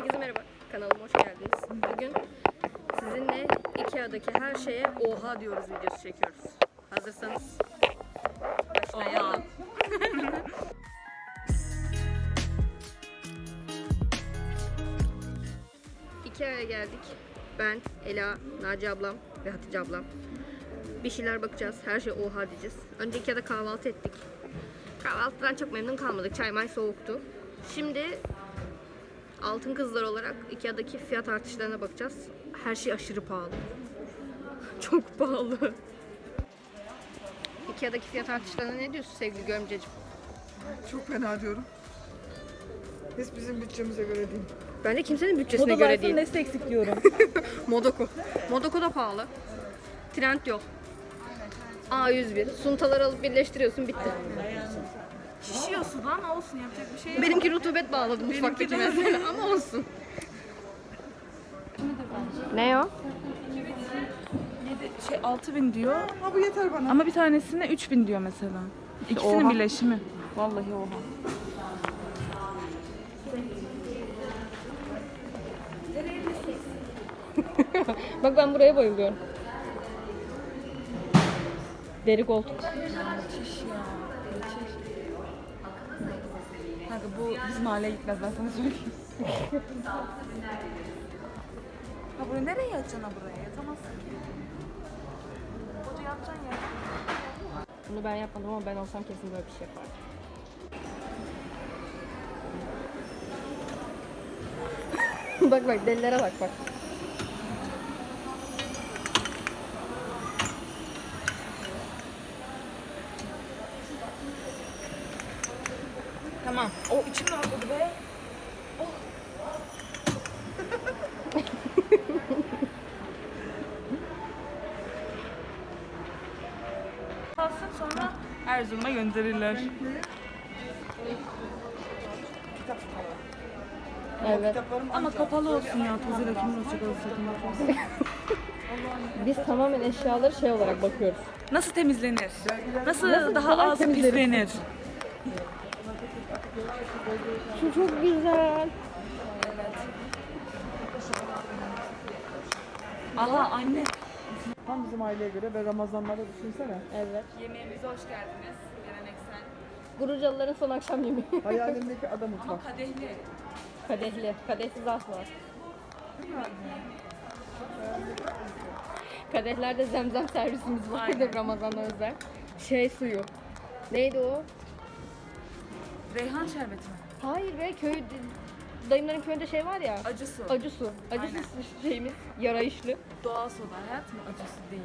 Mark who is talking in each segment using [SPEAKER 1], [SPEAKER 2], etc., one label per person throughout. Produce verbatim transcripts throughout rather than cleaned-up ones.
[SPEAKER 1] Herkese merhaba, kanalıma hoş geldiniz. Bugün sizinle Ikea'daki her şeye oha diyoruz videosu çekiyoruz. Hazırsanız başlayalım. Ikea'ya geldik. Ben, Ela, Naci ablam ve Hatice ablam. Bir şeyler bakacağız, her şey oha diyeceğiz. Önce Ikea'da kahvaltı ettik. Kahvaltıdan çok memnun kalmadık, çay may soğuktu. Şimdi altın kızlar olarak Ikea'daki fiyat artışlarına bakacağız. Her şey aşırı pahalı. Çok pahalı. Ikea'daki fiyat artışlarına ne diyorsun sevgili görümceciğim?
[SPEAKER 2] Çok fena diyorum. Hiç bizim bütçemize göre değil.
[SPEAKER 1] Bence kimsenin bütçesine göre değil.
[SPEAKER 3] Nesli eksik diyorum.
[SPEAKER 1] Modoko. Modoko da pahalı. Trend yok. A yüz bir. Suntaları alıp birleştiriyorsun, bitti.
[SPEAKER 3] Şişiyorsun lan, olsun, yapacak bir şey yok.
[SPEAKER 1] Benimki rutubet bağladı mutfaktaki mesela ama olsun. Ne o?
[SPEAKER 3] Şey altı bin diyor
[SPEAKER 2] Ha bu yeter bana.
[SPEAKER 3] ama bir tanesine üç bin diyor mesela. İkisinin
[SPEAKER 1] Oha.
[SPEAKER 3] birleşimi. Vallahi oha.
[SPEAKER 1] Bak ben buraya bayılıyorum. Deri koltuk.
[SPEAKER 3] Müthiş ya. Müthiş. Kanka bu bizim mahalleye gitmez, ben sana söyleyeyim. Ha burayı nereye yatacaksın, ha buraya? Yatamazsın ki. Burada yatacaksın ya.
[SPEAKER 1] Bunu ben yapmadım ama ben olsam kesin böyle bir şey yapardım. Bak bak delilere bak bak.
[SPEAKER 3] Tamam. O içim rahatladı be. Kalsın, sonra Erzurum'a gönderirler.
[SPEAKER 1] Evet.
[SPEAKER 3] Ama kapalı olsun ya, tozuyla kim uğraşacak olsun.
[SPEAKER 1] Biz tamamen eşyaları şey olarak bakıyoruz.
[SPEAKER 3] Nasıl temizlenir? Nasıl,
[SPEAKER 1] Nasıl
[SPEAKER 3] daha
[SPEAKER 1] kolay
[SPEAKER 3] az
[SPEAKER 1] temizlenir?
[SPEAKER 3] pislenir?
[SPEAKER 1] Şu çok güzel.
[SPEAKER 3] Aha anne.
[SPEAKER 2] Tam bizim aileye göre ve Ramazanlarda düşünsene.
[SPEAKER 1] Evet.
[SPEAKER 3] Yemeğimize hoş geldiniz. Geleneksel.
[SPEAKER 1] Gurucalıların son akşam yemeği.
[SPEAKER 2] Hayalimdeki ada mutfak.
[SPEAKER 3] Kadehli.
[SPEAKER 1] Kadehli. Kadehsiz asla. Kadehlerde zemzem servisimiz vardı
[SPEAKER 3] Aynen.
[SPEAKER 1] Ramazan'a özel. Şey suyu. Neydi o?
[SPEAKER 3] Reyhan şerbeti mi?
[SPEAKER 1] Hayır be, köy dayımların köyünde şey var ya.
[SPEAKER 3] Acı su.
[SPEAKER 1] Acı su. Acı
[SPEAKER 3] Aynen.
[SPEAKER 1] su şeyimiz yarayışlı.
[SPEAKER 3] Doğal soda hayat mı? Acısı değil.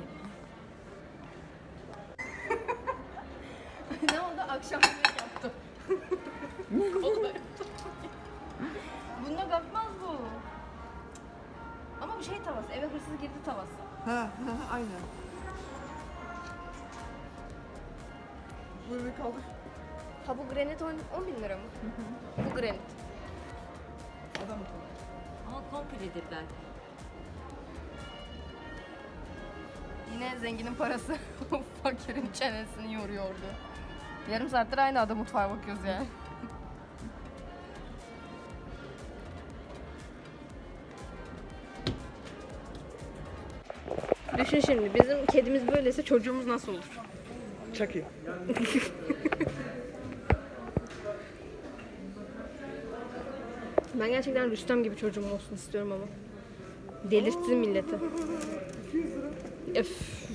[SPEAKER 1] Ne oldu? Akşam yemek yaptım. Bunda kalkmaz bu. Ama bu şey tavası. Eve hırsız girdi tavası.
[SPEAKER 2] Ha, ha aynen. Buyurun kaldır.
[SPEAKER 1] Ha bu granit on bin lira mı? Bu granit.
[SPEAKER 2] Ada mutfak.
[SPEAKER 4] Ama kompledir belki.
[SPEAKER 1] Yine zenginin parası fakirin çenesini yoruyordu. Yarım saattir aynı ada mutfağa bakıyoruz yani. Düşün şimdi, bizim kedimiz böyleyse çocuğumuz nasıl olur?
[SPEAKER 2] Çaki.
[SPEAKER 1] Ben gerçekten Rüstem gibi çocuğum olsun istiyorum ama. Delirtsin milleti. Öf.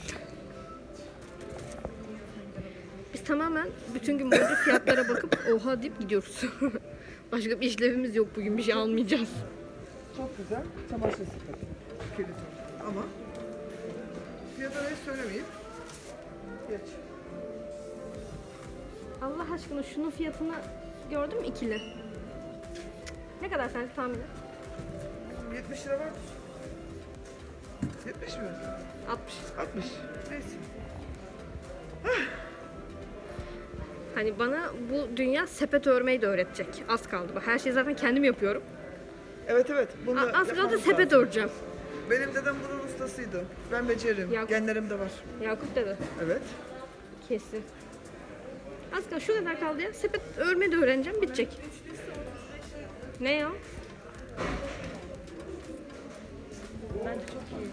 [SPEAKER 1] Biz tamamen bütün gün boyunca fiyatlara bakıp oha deyip gidiyoruz. Başka bir işlevimiz yok bugün, bir şey almayacağız.
[SPEAKER 2] Çok güzel. Çamaşır sepeti. Kilit. Ama fiyatını hiç söylemeyeyim. Geç.
[SPEAKER 1] Allah aşkına şunun fiyatını gördün mü, ikili? Ne kadar sence tahmin et?
[SPEAKER 2] yetmiş lira vardır. yetmiş mi?
[SPEAKER 1] altmış.
[SPEAKER 2] altmış. Neyse.
[SPEAKER 1] Hani bana bu dünya sepet örmeyi de öğretecek. Az kaldı. Bak her şeyi zaten kendim yapıyorum.
[SPEAKER 2] Evet evet. Bunu
[SPEAKER 1] A- Az kaldı
[SPEAKER 2] yapmamız
[SPEAKER 1] sepet
[SPEAKER 2] lazım.
[SPEAKER 1] öreceğim.
[SPEAKER 2] Benim dedem bunun ustasıydı. Ben beceririm.
[SPEAKER 1] Ya-
[SPEAKER 2] Genlerimde var.
[SPEAKER 1] Yakup dedi.
[SPEAKER 2] Evet.
[SPEAKER 1] Kesin. Az kaldı, şu kadar kaldı ya. Sepet örmeyi de öğreneceğim, bitecek. Ne ya?
[SPEAKER 2] Bence çok iyi.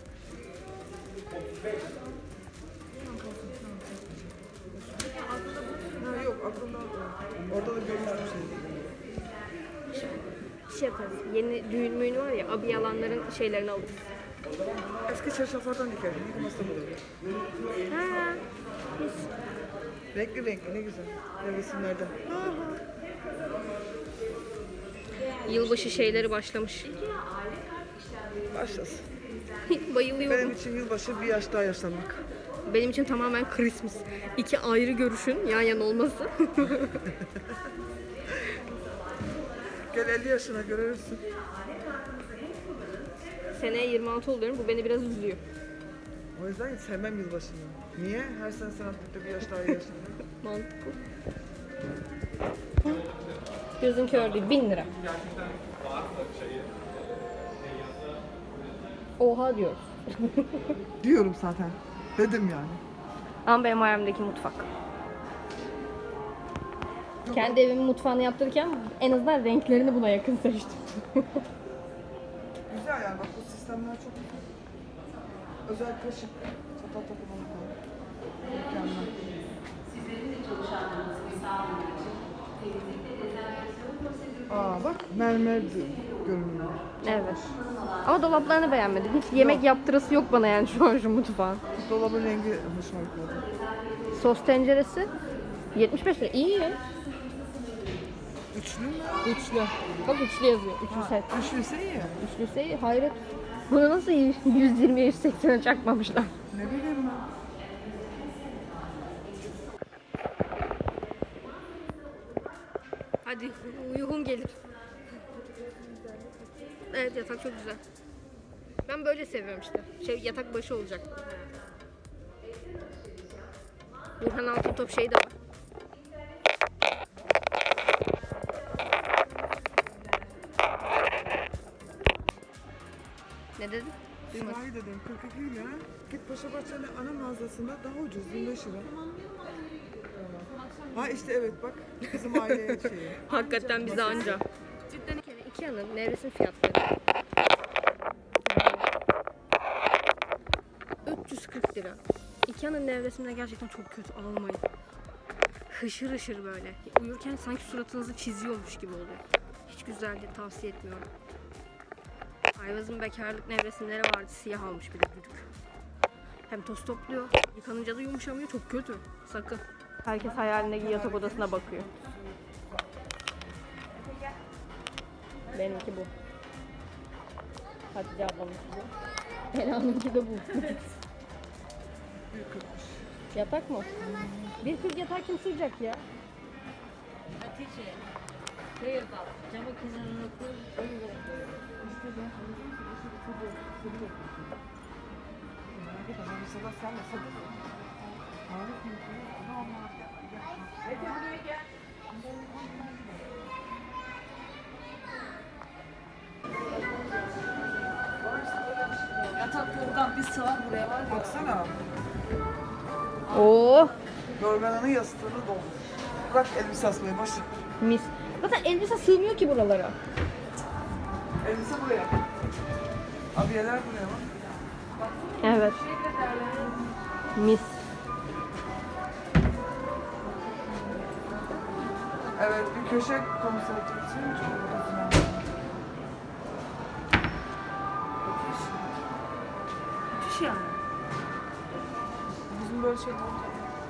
[SPEAKER 2] Ha yok aklımda. Orada da görmüştüm seni.
[SPEAKER 1] Şey yaparız. Yeni düğün müğün var ya, abi yalanların şeylerini alırız.
[SPEAKER 2] Eski çarşaflardan dikerdim. Yıkılması da olur.
[SPEAKER 1] Ha. Biz
[SPEAKER 2] Renkli renkli ne güzel. Resimlerden.
[SPEAKER 1] yılbaşı şeyleri başlamış.
[SPEAKER 2] Başlasın.
[SPEAKER 1] Bayılıyorum.
[SPEAKER 2] Benim için yılbaşı bir yaş daha yaşlanmak.
[SPEAKER 1] Benim için tamamen Christmas. İki ayrı görüşün yan yana olması.
[SPEAKER 2] Gel elli yaşına görürsün.
[SPEAKER 1] Seneye yirmi altı oluyorum. Bu beni biraz üzüyor.
[SPEAKER 2] O yüzden sevmem yılbaşını. Niye? Her sene sanatlıkta bir yaş daha yaşlanmak.
[SPEAKER 1] Mantıklı. Gözün kör değil. Bin lira. Oha diyoruz.
[SPEAKER 2] Diyorum zaten. Dedim yani.
[SPEAKER 1] Ama benim hayalimdeki mutfak. Kendi evimin mutfağını yaptırırken en azından renklerini buna yakın seçtim.
[SPEAKER 2] Güzel yani bak bu sistemler çok güzel. Özel kaşık, çatal takımını koy. Mükemmel. Aa bak mermer görünüyor.
[SPEAKER 1] Evet. Ama dolaplarını beğenmedim. Hiç yemek yaptırası yok bana yani şu an şu mutfağın.
[SPEAKER 2] Dolabın rengi hoşuma gitmedi.
[SPEAKER 1] Sos tenceresi yetmiş beş lira. İyi.
[SPEAKER 2] Üçlü mü?
[SPEAKER 1] Üçlü. Bak üçlü yazıyor. Üçlü set.
[SPEAKER 2] Üçlüyse iyi.
[SPEAKER 1] Üçlüse iyi. Hayret. Bunu nasıl yüz yirmiye yüz seksene çakmamışlar?
[SPEAKER 2] Ne bileyim ben.
[SPEAKER 1] Hadi uygun gelir. Evet yatak çok güzel. Ben böyle seviyorum işte. Şey yatak başı olacak. Burhan Altıntop şey de var. Ne dedin? Duymadım.
[SPEAKER 2] Sırayı dedim kırk iki lira. Git Paşabahçe'nin ana mağazasında daha ucuz yirmi beş lira. Ha işte evet bak bizim aile şeyi.
[SPEAKER 1] Hakikaten bize anca. Cidden iki Ikea'nın nevresim fiyatları üç yüz kırk lira. Ikea'nın nevresimleri gerçekten çok kötü, almayın. Hışır hışır böyle. Uyurken sanki suratınızı çiziyormuş gibi oluyor. Hiç güzel değil, tavsiye etmiyorum. Ayvaz'ın bekarlık nevresimleri vardı, siyah almış bir de büyük. Hem toz topluyor, yıkanınca da yumuşamıyor, çok kötü. Sakın. Herkes hayalindeki yatak odasına bakıyor. Benimki bu. Hatice ablamınki bu. Ela'nınki de bu. Yatak mı? Bir kırk yatak kim sığacak ya?
[SPEAKER 4] Hatice. Şöyle bak. Camı kenarına koy. Onu bırak.
[SPEAKER 3] Yatak yorgan bir sığar buraya var ya.
[SPEAKER 2] Baksana.
[SPEAKER 1] Oo,
[SPEAKER 2] Yorganının yastığını doldur. Bırak elbise asmayı boş ver.
[SPEAKER 1] mis. Zaten elbise sığmıyor ki buralara.
[SPEAKER 2] Elbise buraya. Abiyeler buraya bak.
[SPEAKER 1] Evet. Mis.
[SPEAKER 2] Evet bir köşe konusu için çok güzel.
[SPEAKER 3] Müthiş yani. Bizim böyle şeyler olacak.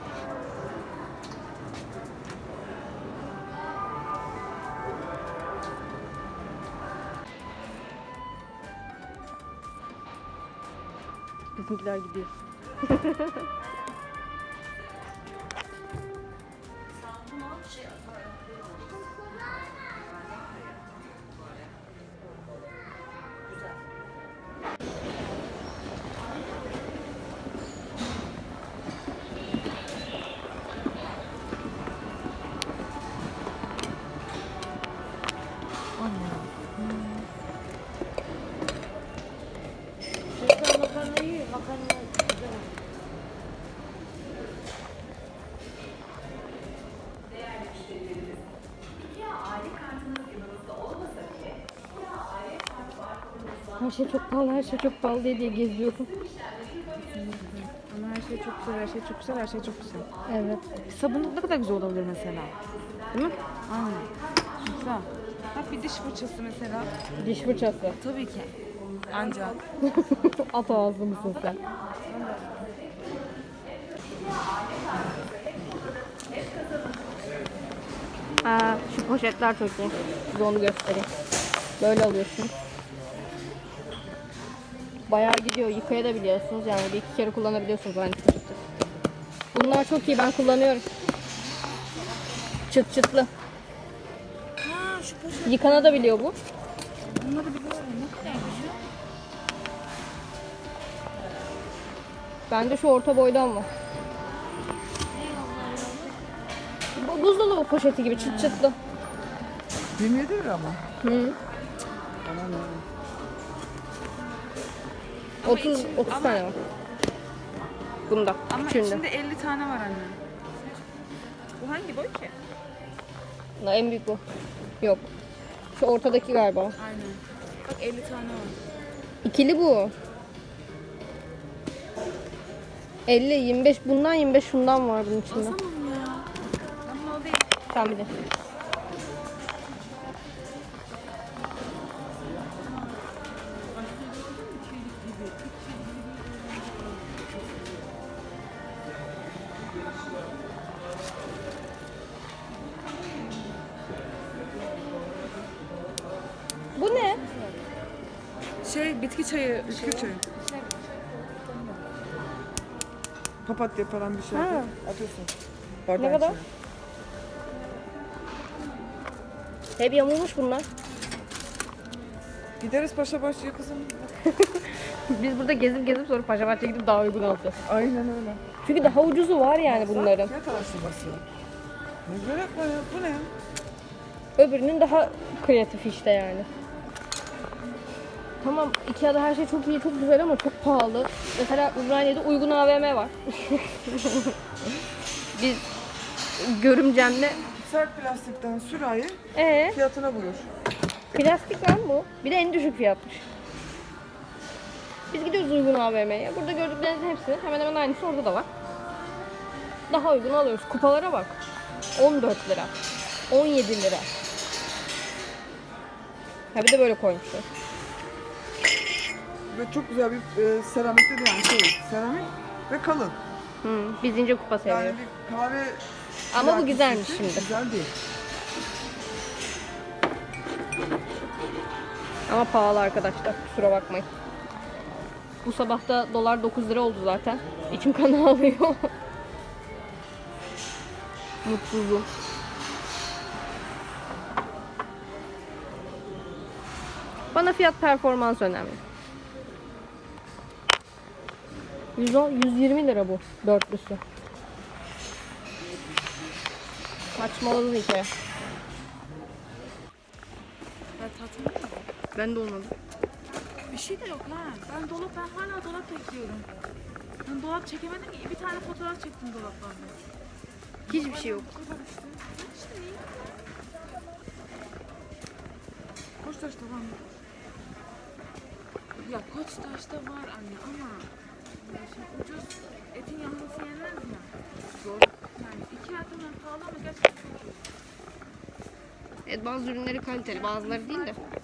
[SPEAKER 1] Bizimkiler gidiyor.
[SPEAKER 4] Çocuklar makarna yiyor. Makarna güzel.
[SPEAKER 1] Her şey çok pahalı, her şey çok pahalı diye, diye geziyorum.
[SPEAKER 3] Ama her şey çok güzel, her şey çok güzel, her şey çok güzel.
[SPEAKER 1] Evet.
[SPEAKER 3] Sabunluk ne kadar güzel olabilir mesela.
[SPEAKER 1] Değil mi?
[SPEAKER 3] Aynen. Güzel. Bak bir diş fırçası mesela.
[SPEAKER 1] Diş fırçası.
[SPEAKER 3] Tabii ki. Ancak.
[SPEAKER 1] At ağızlı mısın sen? Aa, şu poşetler çok iyi. Size onu göstereyim. Böyle alıyorsun. Bayağı gidiyor. Yıkayabiliyorsunuz. Yani bir iki kere kullanabiliyorsunuz aynı poşeti. Bunlar çok iyi. Ben kullanıyorum. Çıt çıtlı.
[SPEAKER 3] Ha şu poşet.
[SPEAKER 1] Yıkanabiliyor bu.
[SPEAKER 3] Bunları biliyorum. Ne kadar güzel.
[SPEAKER 1] Bende şu orta boydan var. Bu buzdolabı poşeti gibi çıt çıtlı.
[SPEAKER 2] yirmi yedi lira mı?
[SPEAKER 1] Hı.
[SPEAKER 2] Aman ya.
[SPEAKER 1] otuz
[SPEAKER 3] içi-
[SPEAKER 1] otuz
[SPEAKER 3] ama-
[SPEAKER 1] tane var. Bunda.
[SPEAKER 3] Ama
[SPEAKER 1] Üçünde.
[SPEAKER 3] içinde elli tane var anne. Bu hangi boy ki?
[SPEAKER 1] La, en büyük bu. Yok. Şu ortadaki galiba.
[SPEAKER 3] Aynen. Bak elli tane var.
[SPEAKER 1] İkili bu. elli, yirmi beş bundan, yirmi beş şundan var bunun içinde.
[SPEAKER 3] Basamam ya. Ama o değil.
[SPEAKER 1] Sen bir de. Bu ne?
[SPEAKER 3] Şey bitki çayı.
[SPEAKER 2] Bitki çayı. Papatya falan bir şey
[SPEAKER 1] Ha.
[SPEAKER 2] yapıp atıyorsun. Bardağın
[SPEAKER 1] Ne kadar?
[SPEAKER 2] içine.
[SPEAKER 1] Hep yamulmuş bunlar.
[SPEAKER 2] Gideriz paşa bahçeye kızım.
[SPEAKER 1] Biz burada gezip gezip sonra Paşa Bahçe'ye gidip daha uygun alacağız.
[SPEAKER 2] Aynen öyle.
[SPEAKER 1] Çünkü daha ucuzu var yani bunların.
[SPEAKER 2] Fiyat araştırması. Ne gerek var ya? Bu ne ya?
[SPEAKER 1] Öbürünün daha kreatif işte yani. Tamam, Ikea'da her şey çok iyi, çok güzel ama çok pahalı. Mesela Ümraniye'de uygun A V M var. Biz görümcemle
[SPEAKER 2] Sert plastikten sürahi
[SPEAKER 1] ee
[SPEAKER 2] fiyatına buyur.
[SPEAKER 1] plastik lan bu. Bir de en düşük fiyatmış. Biz gidiyoruz uygun A V M'ye. Burada gördüklerinizin hepsi hemen hemen aynısı orada da var. Daha uygun alıyoruz. Kupalara bak. on dört lira. on yedi lira. Ha bir de böyle koymuşlar.
[SPEAKER 2] Ve çok güzel bir e, seramikte de yani şey, seramik ve kalın.
[SPEAKER 1] Hı, biz ince kupa seviyoruz.
[SPEAKER 2] Yani bir kahve...
[SPEAKER 1] Ama bu
[SPEAKER 2] plakisi
[SPEAKER 1] güzelmiş
[SPEAKER 2] için
[SPEAKER 1] şimdi.
[SPEAKER 2] Güzel değil.
[SPEAKER 1] Ama pahalı arkadaşlar. Kusura bakmayın. Bu sabah da dolar dokuz lira oldu zaten. İçim kan ağlıyor. Mutsuzum. Bana fiyat performans önemli. yüz on, yüz yirmi lira bu dörtlüsü. Saçmaladın hikaye.
[SPEAKER 3] Ya tatmin mi?
[SPEAKER 1] Ben de olmadı.
[SPEAKER 3] Bir şey de yok ha. Ben dolap, ben hala dolap bekliyorum. Ben dolap çekemedim ki. Bir tane fotoğraf çektim dolaplarda.
[SPEAKER 1] Hiçbir şey yok.
[SPEAKER 3] Bu kadar işte. İşte iyi.
[SPEAKER 2] Koçtaş'ta var mı?
[SPEAKER 3] Ya Koçtaş'ta var anne ama ya şimdi ucuz etin yanması yenmez mi? Zor. Yani iki atımdan pahalı ama gerçekten çok iyi.
[SPEAKER 1] Evet, bazı ürünleri kaliteli, bazıları değil de.